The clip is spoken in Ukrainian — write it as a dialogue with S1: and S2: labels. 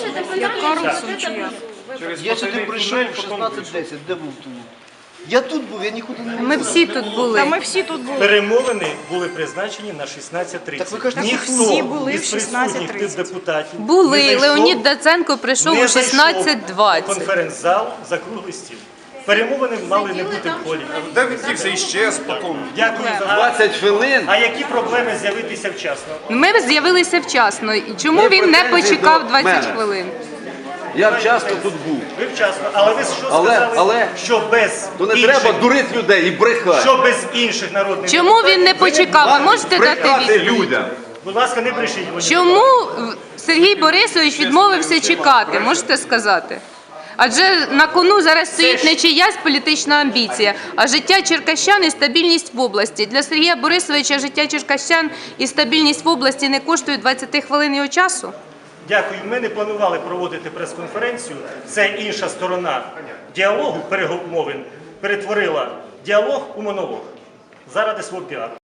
S1: Я Карлсон чи як?
S2: Я сюди прийшов в 16:10, де був тут? Я тут був, я нікуди не
S3: Ми всі тут були.
S1: Та ми всі тут були.
S4: Перемовини були призначені на 16:30.
S2: Так ви кажете,
S1: всі були в
S4: із присутніх
S1: 16:30.
S4: депутатів
S3: Були.
S4: не зайшов-
S3: Леонід Даценко прийшов
S4: не
S3: о
S4: зайшов
S3: 16:20.
S4: в конференц-зал за круглий стіл. Перемовини мали не бути в холі.
S5: Де він дівся іщез потім?
S4: Дякую за
S2: 20 хвилин.
S4: А які проблеми з'явитися вчасно?
S3: Ми з'явилися вчасно. І чому
S2: Є
S3: він не
S2: претензії
S3: почекав
S2: до
S3: 20
S2: мене.
S3: хвилин?
S2: Я вчасно тут був.
S4: Ви вчасно, але ви що
S2: Але-
S4: сказали, що без
S2: То не
S4: інших,
S2: треба дурити людей і брехати.
S4: що без інших народних
S3: Чому він не почекав? Ви можете дати
S2: Брехати
S3: відповідь?
S2: людям.
S4: Будь ласка, не брешіть. Леонід.
S3: Чому Сергій Борисович відмовився чекати? Можете сказати? Адже на кону зараз стоїть не чиясь політична амбіція, а життя черкащан і стабільність в області. Для Сергія Борисовича життя черкащан і стабільність в області не коштують 20 хвилин його часу?
S4: Дякую. Ми не планували проводити прес-конференцію. Це інша сторона діалогу, перемовин, перетворила діалог у монолог заради свого піару.